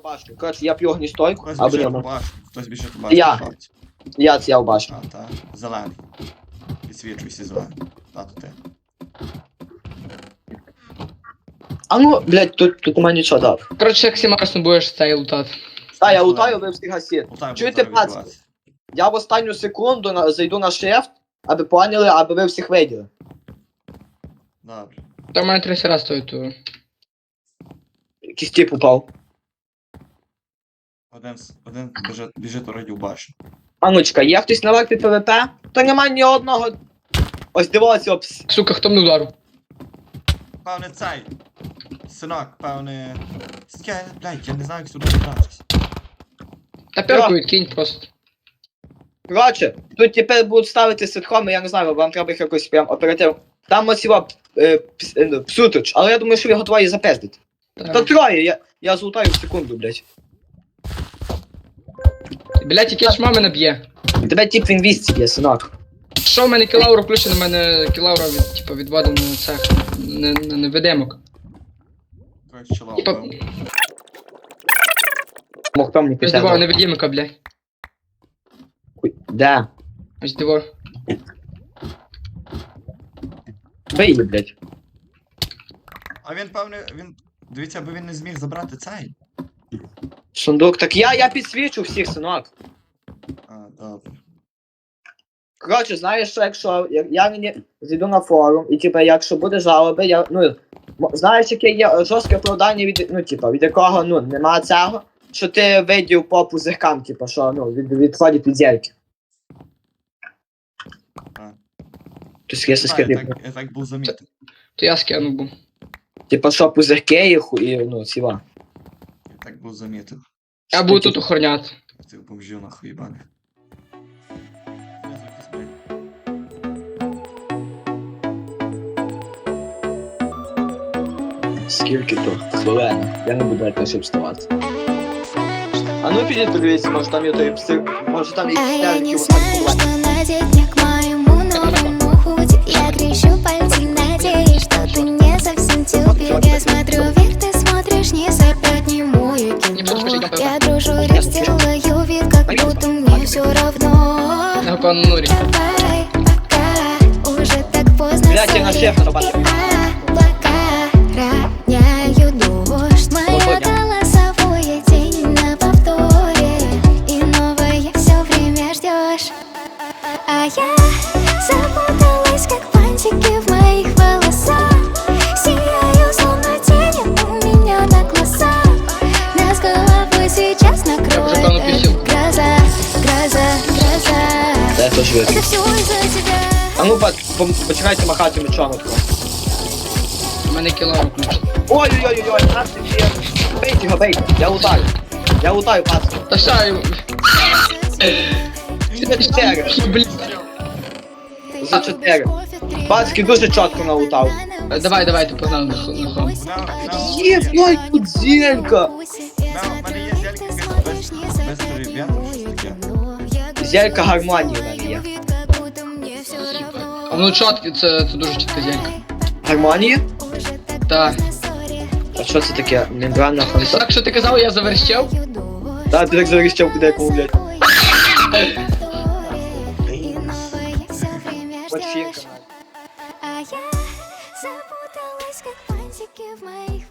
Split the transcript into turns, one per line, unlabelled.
башню. Коротше, я п'ю огністойку,
Хтось
або
біжить
ні,
у башню, хтось біжить у башню.
Я.
шорті.
я в башню.
А, та, зелений. Підсвічуйся зелений. Тато ти.
А ну, блядь, тут у мене нічого дав.
Коротше, як Сімарсом будеш цей лутати.
Та, я лутаю, ви всіх гасіть.
Лутай,
Чуєте,
буде зараз
пацки?
відбуватися.
Я в останню секунду зайду на шефт, аби поняли, аби ви всіх виділи.
Добре.
Та в мене 30 раз стоїть ту.
Якийсь тип упав.
Один біжить вроді у башню.
А ну чекай, є хтось на варті ПВП? Та нема ні одного. Ось дивіться, опс.
Сука, хто мене ударив?
Певне цей. Синок, певне... Блядь, я не знаю, як сюди добратися.
Та перку відкинь просто.
Коротше, тут тепер будуть ставити ситхоми, я не знаю, вам треба їх якось прям оперативно. Там ось його псутич, але я думаю, що ви готові запездити. Та троє, я злутаю в секунду, блядь.
Блять, яке ж мама наб'є.
Тебе тип в інвісті є, синок.
Що в мене кілаура включена, в мене кілаура типу, відводена на цех. На невидимок.
Коротше, чоловік.
Типа,
Мог там не
ось диво,
писати.
невидимка, бля.
Да.
Ось диво.
Вийди, блядь.
А він, певне, дивіться, аби він не зміг забрати цей.
Сундук, так я підсвічу всіх, синок.
А, добре.
Коротше, знаєш, що якщо я не зайду на форум, і типа, якщо буде жалоби, я, знаєш, яке є жорстке оправдання від, від якого, нема цього, що ти видів по пузиркам, типа, що, відходять від зірки.
А.
Тобто, якщо скидати,
Я так був замітив.
То я скинув був.
типа, що пузирки і ціла.
Я так був замітив.
Я буду тут охороняти.
Цих бомжів нахуй їбаних.
Скільки то? Хвилина. Я не буду навіть щоб вставати. А ну підіть подивіться, може там є той пси, може там є
А я не
якісь
знаю, что надеть мне к моему новому худи. Я крещу пальцы, надеюсь, что ты не совсем тюбик. Я смотрю вверх, ты смотришь вниз, опять не мою кино. Я дружу, речь делаю вид, как будто мне все равно.
На пану Нурі.
Давай, пока, уже так поздно.
Блядь, я на шефа нападаю.
Облака роняют дождь. Моя голосовое тень на повторе. И новое все время ждешь. А я запуталась, как бантики в моих волосах. Сияю, словно тени у меня на глазах. Нас головой сейчас накроет гроза, гроза, гроза.
Це теж видно.
Это все из-за тебя.
А ну почекайте махати мечом отко.
У мене кілаура включена.
Ой-ой-ой-ой, нас є. Бейте його, бейте. Я лутаю, пацан.
Та що йому?
4.
Блін.
За 4. Пацки дуже чітко налутав.
Давай, ти погнали на хом.
Є, ой, тут зелька.
У мене є зелька без переб'янку, щось таке.
Зелька гармонії в мене є.
А воно чітке, це дуже чітка зелька.
Гармонії?
Так.
А що це таке? Мембранна фонта?
Так, що ти казав, я заверщав?
Так, ти так заріщав куди якому, блядь. Починка.
А я запуталась, как бантики в моих